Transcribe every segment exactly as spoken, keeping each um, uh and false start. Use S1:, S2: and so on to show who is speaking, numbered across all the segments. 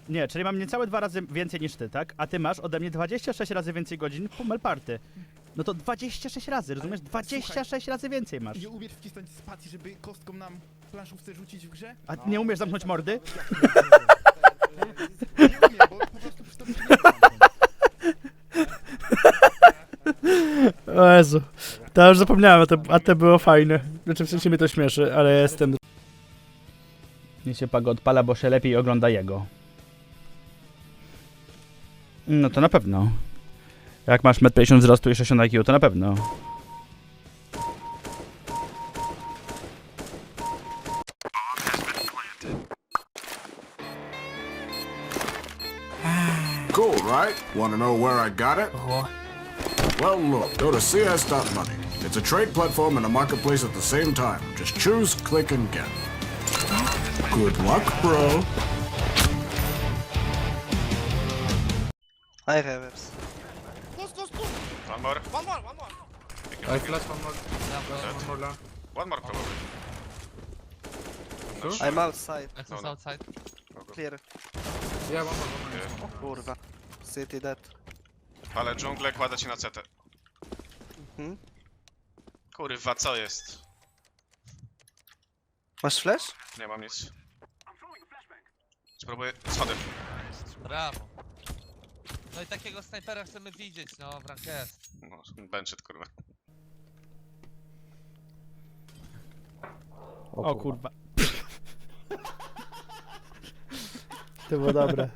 S1: Nie, czyli mam niecałe dwa razy więcej niż ty, tak? A ty masz ode mnie dwadzieścia sześć razy więcej godzin po Melparty. No to dwadzieścia sześć razy, rozumiesz? dwadzieścia sześć razy więcej masz.
S2: Nie umiesz wcisnąć spacji, żeby kostką nam planszówce rzucić w grze?
S1: A ty nie umiesz zamknąć mordy?
S2: Nie umiem, bo po prostu przy tobie nie mam.
S1: O Jezu. To już zapomniałem, a to, a to było fajne. Znaczy w sensie mnie to śmieszy, ale jestem... Nie się Pago odpala, bo się lepiej ogląda jego. No to na pewno. Jak masz metr pięćdziesiąt wzrostu i sześćdziesiąt I Q, to na pewno.
S3: Cool, right? Want to know where I got it? Well, look, go to C S dot money. It's a trade platform and a marketplace at the same time. Just choose, click, and get. Good luck, bro.
S4: I have webs.
S5: One more.
S2: One more, one more.
S6: I flash one more. Flash one more long.
S5: One more probably.
S4: I'm outside.
S5: No, no.
S7: outside.
S4: Clear.
S6: Yeah, one more, one more.
S5: Okay.
S4: Kurwa. City dead.
S5: Ale dżunglę kładę ci na C T.
S4: Mhm.
S5: Kurwa, co jest?
S4: Masz flash?
S5: Nie mam nic. Spróbuję schody.
S7: Brawo. No i takiego snajpera chcemy widzieć, no, w ranked.
S5: No, benchit, kurwa.
S1: O kurwa. To było dobre.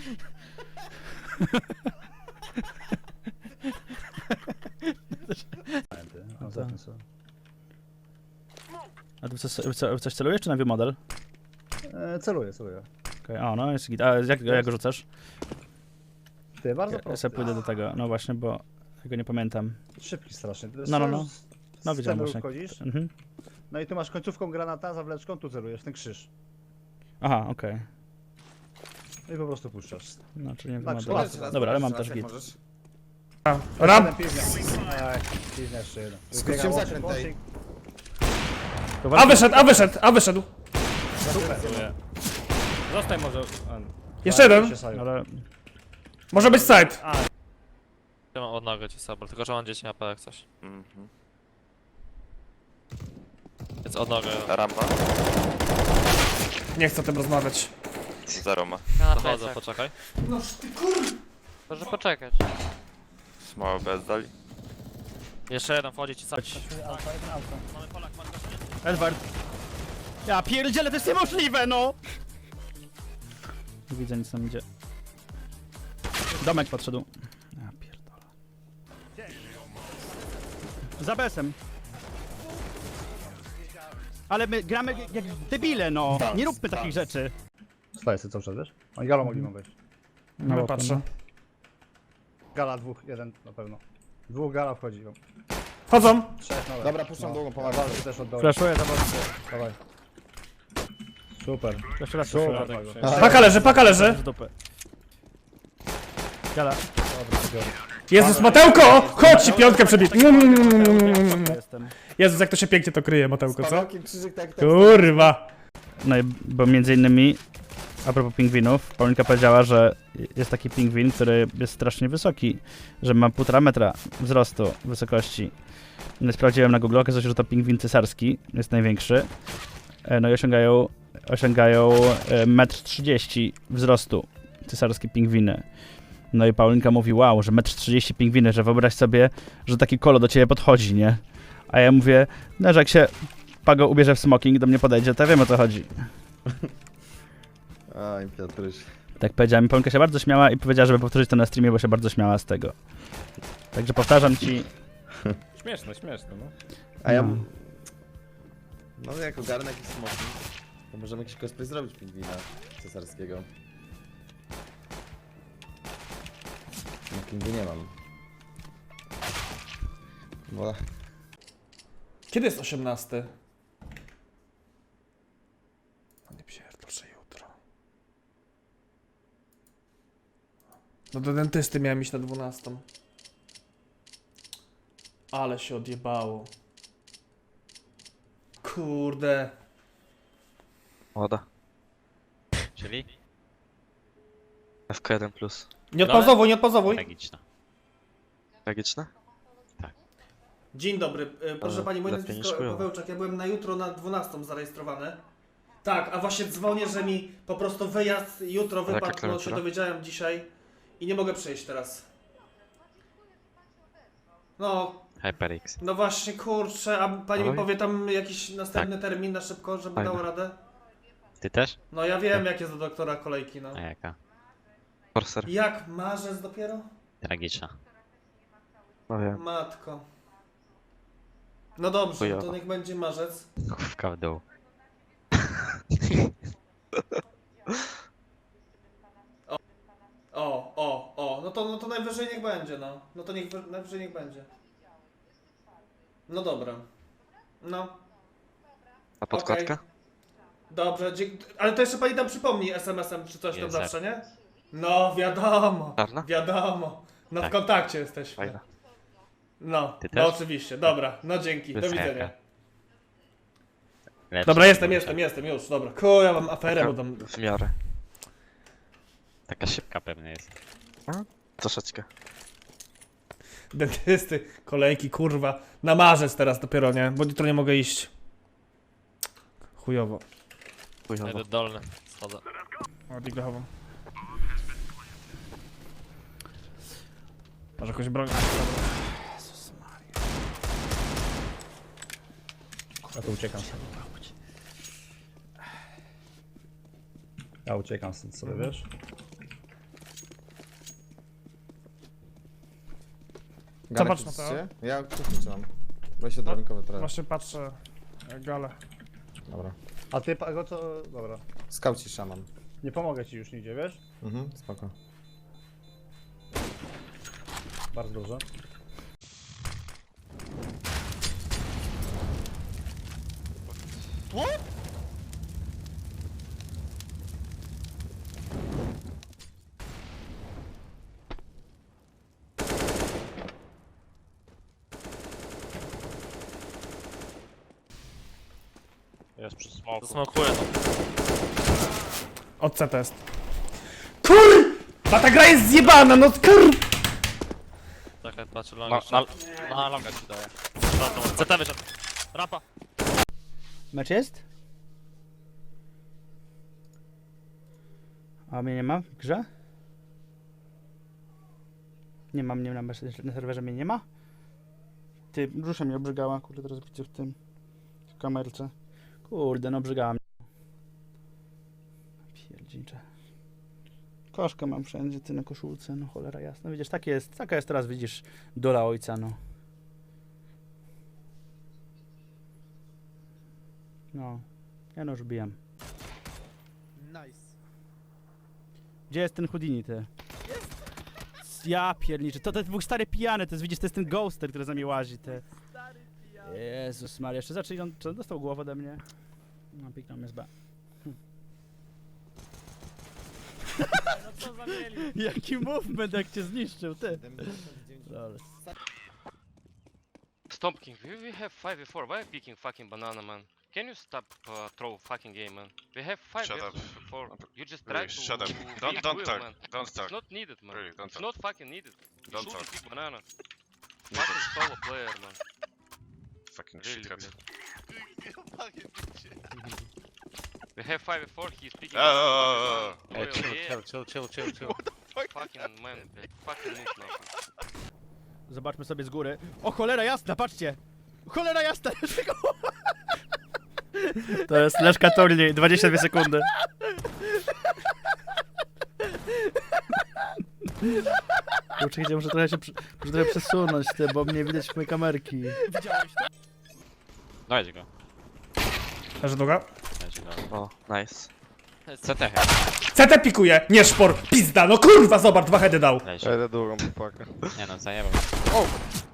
S1: A ty w coś, w co- w coś celujesz, czy na model?
S8: E, celuję, celuję.
S1: Okej, o no, jest git. A jak, jak go rzucasz?
S8: Ty, bardzo
S1: Ja, ja
S8: prosto.
S1: sobie pójdę do tego, no właśnie, bo tego nie pamiętam.
S8: Szybki strasznie. Ty
S1: No, no,
S8: z-
S1: no.
S8: z-
S1: No
S8: z
S1: widziałem
S8: celu
S1: właśnie.
S8: wchodzisz,
S1: Mhm.
S8: no i tu masz końcówką granata, zawleczką, tu celujesz, ten krzyż.
S1: Aha, okej.
S8: No i po prostu puszczasz.
S1: No, czyli nie
S8: Tak,
S1: wiem.
S8: szkoda.
S1: Dobra, ale mam też git.
S8: Ram! Jeden piwnia. Ej, piwnia jeszcze jeden.
S6: Skróciłem
S8: Biega
S6: zakręt,
S8: łącznik,
S6: ej.
S8: łącznik.
S9: A wyszedł, a wyszedł, a wyszedł.
S1: Zostań może.
S9: Jeszcze jeden.
S8: Się sają.
S1: Ale
S9: Może być side.
S7: Ja mam odnogę ci sabor, tylko że mam dziesięć A P jak coś. Więc odnogę.
S10: Rampa,
S9: Nie chcę o tym rozmawiać.
S10: zero ma.
S7: Dochodzę, poczekaj.
S9: No ty kur...
S7: Proszę poczekać.
S10: Mało bez dali.
S7: Jeszcze jeden wchodzi ci sam.
S1: Edward. Ja pierdzielę, to jest niemożliwe, no! Nie widzę, nic tam idzie. Domek podszedł. Ja pierdolę. Za besem. Ale my gramy jak- jak debile, no! Nie róbmy takich rzeczy.
S8: Staję sobie cały czas, wiesz? Oni galą mogli wam wejść.
S9: No patrzę.
S8: Gala dwóch, jeden na pewno. Dwóch gala wchodzi. no.
S9: Chodzą.
S8: Trzech na
S6: Dobra, puszczam długą, pomagam.
S8: Walczy też od dołu.
S1: Flashuję za bardzo.
S8: Dawaj. Super.
S1: Jeszcze raz
S8: Super.
S1: flashuję.
S8: Pago.
S9: Paka leży, paka leży.
S1: Z dupy. Gala.
S9: Jezus, Matełko! Chodź ci piątkę przebit.
S1: Jestem.
S9: Jezus, jak to się pięknie to kryje, Matełko, co?
S6: Pawełkiem krzyżyk tak, tak.
S9: Kurwa.
S1: No i bo między innymi, a propos pingwinów, Paulinka powiedziała, że jest taki pingwin, który jest strasznie wysoki, że ma półtora metra wzrostu, wysokości. No i sprawdziłem na Google, okazało się, że to pingwin cesarski, jest największy. E, No i osiągają, osiągają e, metr trzydzieści wzrostu cesarskie pingwiny. No i Paulinka mówi, wow, że metr trzydzieści pingwiny, że wyobraź sobie, że taki kolo do ciebie podchodzi, nie? A ja mówię, no że jak się Pago ubierze w smoking, do mnie podejdzie, to ja wiem, o co chodzi.
S6: Aj, Piotruś.
S1: Tak powiedziała mi, Paulinka się bardzo śmiała i powiedziała, żeby powtórzyć to na streamie, bo się bardzo śmiała z tego. Także powtarzam ci...
S6: Śmieszne, śmieszne, no.
S8: A ja...
S1: No.
S6: No jak ogarnę jakiś smoking, to możemy jakiś cosplay zrobić pingwina cesarskiego. Smokingu nie mam. Bo...
S9: Kiedy jest osiemnasty? No nie pierdolę, że jutro. No do dentysty miałem iść na dwunastą. Ale się odjebało. Kurde.
S10: Woda.
S7: Czyli?
S10: F K jeden plus.
S9: Nie odpauzowuj, nie odpauzowuj.
S5: Tragiczna.
S10: Tragiczne?
S11: Dzień dobry, e, proszę
S10: Ale
S11: pani, moje
S10: lepiej niż
S11: nazwisko
S10: chujowo.
S11: Pawełczak, ja byłem na jutro na dwunastą zarejestrowany. Tak, a właśnie dzwonię, że mi po prostu wyjazd jutro
S10: jaka
S11: wypadł, no się
S10: klawiatura?
S11: dowiedziałem dzisiaj i nie mogę przyjść teraz. No,
S10: HyperX.
S11: no właśnie, kurczę, a pani mi
S10: Oj.
S11: powie tam jakiś następny termin na szybko, żeby
S10: Fajne.
S11: dało radę?
S10: Ty też?
S11: No ja wiem, jak jest do doktora kolejki, no.
S10: jaka? Corsair.
S11: Jak, marzec dopiero?
S10: Tragiczna. No wiem.
S11: Matko. No dobrze,
S10: Chujowo.
S11: to niech będzie marzec.
S10: Główka w dół.
S11: O, o, o, no to, no to najwyżej niech będzie, no. No to niech, najwyżej niech będzie. No dobra. No,
S10: A podkładka?
S11: dobrze, dzie- ale to jeszcze pani tam przypomni es em esem czy coś tam
S10: Jest,
S11: zawsze, nie? No, wiadomo,
S10: Czarna?
S11: wiadomo. No w
S10: Tak.
S11: kontakcie jesteśmy.
S10: Fajna.
S11: No,
S10: Ty
S11: no
S10: też?
S11: oczywiście, dobra, no dzięki, do
S10: Wysoka.
S11: widzenia.
S10: Lepsza
S11: Dobra, jestem,
S10: niż
S11: jestem, jestem, już, dobra. Ku, ja mam aferę, bo tam...
S10: W miarę. Taka szybka pewnie jest. A? Troszeczkę.
S11: Dentysty, kolejki, kurwa. Na marzec teraz dopiero, nie? Bo jutro nie mogę iść. Chujowo.
S10: Chujowo.
S7: dolny. Schodzę.
S11: O, diglochową. Może jakąś broń?
S8: Ja to uciekam sobie. Ja uciekam stąd sobie, wiesz?
S11: Zobacz na to.
S6: Ja kuchnię mam. Weź się drabinkowy teraz.
S11: Właśnie patrzę. Gale.
S6: Dobra.
S8: A ty, Pago, to... Dobra.
S6: Skauci szaman.
S8: Nie pomogę ci już nigdzie, wiesz?
S6: Mhm, spoko.
S8: Bardzo dobrze.
S10: Jest przy smoku.
S7: Smokuję to.
S11: Od C test. Kur! A ta gra jest zjebana, no kur!
S7: Czekaj, patrzę longa. Na, na, na longa ci daję. C T wyszedł. Rampa.
S1: Mecz jest? A mnie nie ma w grze? Nie mam, nie ma na serwerze mnie nie ma? Ty, brzusze mnie obrzygała, kurde, teraz widzę w tym, w kamerce. Kurde, no obrzygała mnie. Pierdzicze. Koszkę mam wszędzie, ty na koszulce, no cholera jasna. Widzisz, tak jest, taka jest teraz, widzisz, dola ojca, no. No, ja no już bijam.
S2: Nice.
S1: Gdzie jest ten Houdini, ty? Ja pierniczę, to ten był stary pijany, to jest, widzisz, to jest ten ghoster, który za mnie łazi, ty. Jezus Maria, jeszcze zaczęli, on czy dostał głowę ode mnie? No, piknął mnie z B. Hm.
S7: No co za mieli?
S1: Jaki movement, jak cię zniszczył, ty. Lol.
S10: Stop king, we, we have five v four, why picking fucking banana man? Can you stop uh, throw fucking game man? We have five
S5: Shut
S10: versus
S5: up.
S10: four. You just try
S5: Really,
S10: to
S5: shut up.
S10: to
S5: Don't
S10: beat
S5: don't
S10: Will,
S5: talk.
S10: man.
S5: Don't
S10: It's
S5: talk.
S10: not needed man.
S5: Really, don't
S10: It's
S5: talk.
S10: not fucking needed. You
S5: Don't
S10: should
S5: talk.
S10: pick banana. Fucking solo player man.
S5: Fucking
S10: Really,
S5: shithead.
S10: We have five v four, he's picking
S5: Oh, oh, oh,
S10: Will, yeah.
S7: chill, chill, chill, chill.
S10: Fucking man, fucking noob man.
S1: Zobaczmy sobie z góry. O, cholera jasna, patrzcie! Cholera jasna! To jest Leszka turniej, dwadzieścia dwie sekundy. Kurczę, muszę trochę się przy- muszę trochę przesunąć, ty, bo mnie widać w mojej kamerki.
S10: Dajcie go.
S11: Leży długa.
S10: Dajcie go. O, nice. C T
S11: C T pikuje, nie szpor, pizda, no kurwa, zobacz, dwa heady dał.
S10: Dajcie.
S6: długą pakę.
S10: Nie no, zajebał.